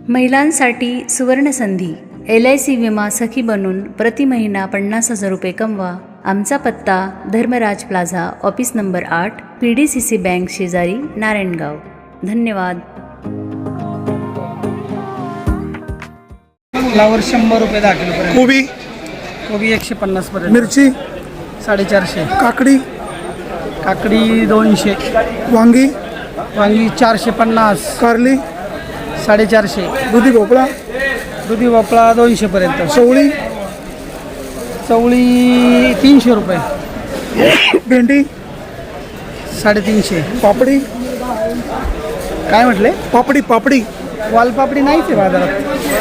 महिलांसाठी सुवर्णसंधी LIC विमा सखी बनून प्रति महिना 50,000 रुपये कमवा। आमचा पत्ता Dharmraj plaza, office number 8, PDCC bank शेजारी, नारायणगाव। धन्यवाद। फ्लावर 100 रुपये 10 किलो पर्यंत। कोबी कोबी 150 पर्यंत। मिरची 450। काकडी काकडी 200। वांगी वांगी 450। कारली 450। दुधी भोपळा दुधी भोपळा 200 पर्यंत। चवळी चवळी 300 रुपये। भेंडी 350। पापडी काय म्हटले? पापडी वालपापडी नाहीच आहे बाजारात।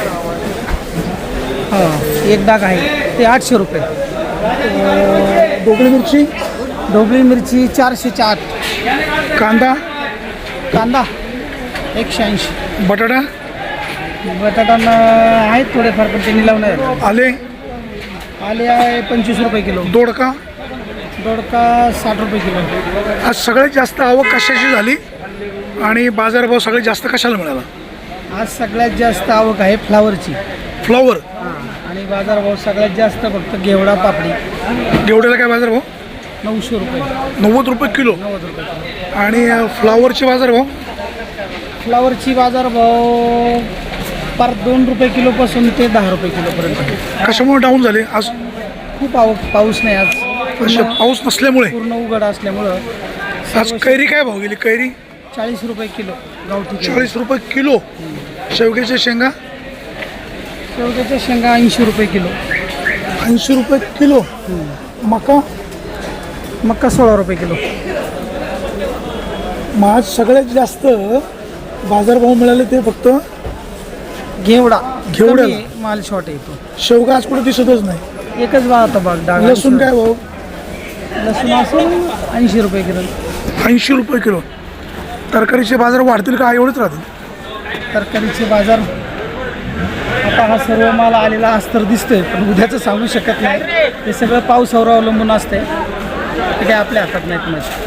हां, एक डाग आहे ते 800 रुपये। ढोबळी मिरची ढोबळी मिरची 408। कांदा कांदा 180। बटाटा बटाटा आहेत थोडेफार, पण ते निलाव नाही झाले। आले आले आहे 25 रुपये किलो। दोडका दोडका 60 रुपये किलो। आज सगळ्यात जास्त आवक कशाची झाली आणि बाजारभाव सगळ्यात जास्त कशाला मिळाला? आज सगळ्यात जास्त आवक आहे फ्लावरची। फ्लॉवर आणि बाजारभाव सगळ्यात जास्त फक्त घेवडा पापडी। घेवड्याला काय बाजारभाव? 900 रुपये। 90 रुपये किलो। 90 रुपये। आणि फ्लॉवरचे बाजारभाव? फ्लावरची बाजारभाव पर 2 रुपये किलोपासून ते 10 रुपये किलोपर्यंत। कशामुळे डाऊन झाले आज? खूप आवक, पाऊस नाही आज। अशा पाऊस नसल्यामुळे पूर्ण उघड असल्यामुळं। आज कैरी काय भाव गेली? कैरी 40 रुपये किलो गावठी। 40 रुपये किलो। शेवग्याच्या शेंगा शेवग्याच्या शेंगा 80 रुपये किलो। 80 रुपये किलो। मका मक्का 16 रुपये किलो। मग आज सगळ्यात जास्त बाजारभाव मिळाले ते फक्त घेवडा घेवड्याला कमी आहे, माल शॉर्ट येतो। शेवगा आज कुठे दिसतच नाही। एकच भाव आता बघ डाग। लसूण काय भाव? लसूण असेल 80 रुपये किलो। 80 रुपये किलो। तरकारीचे बाजार वाढतील का एवढेच राहतील? तरकारीचे बाजार आता हा सर्व माल आलेला आज तर दिसतोय, पण उद्याचं सांगू शकत नाही। हे सगळं पावसावर अवलंबून असते, ते काय आपल्या हातात नाहीत मग।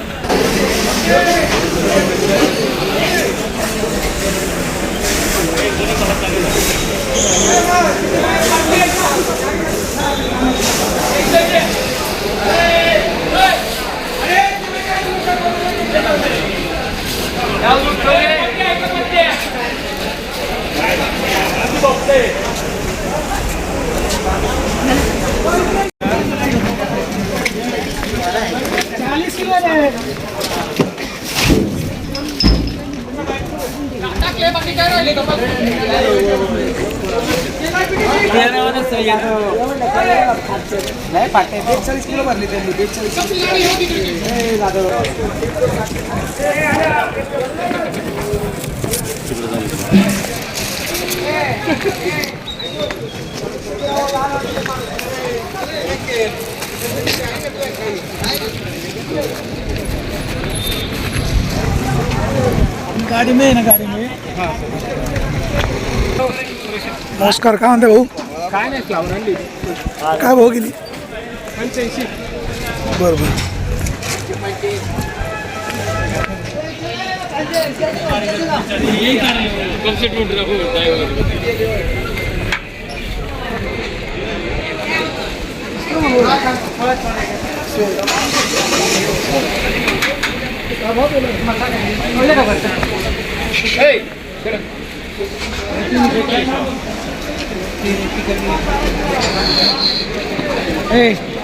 गाडी में ना, गाडी में। नमस्कार, काय म्हणते भाऊ? काय नाही, फ्लावर आणली। काय भाव गेली? 85। बरं ए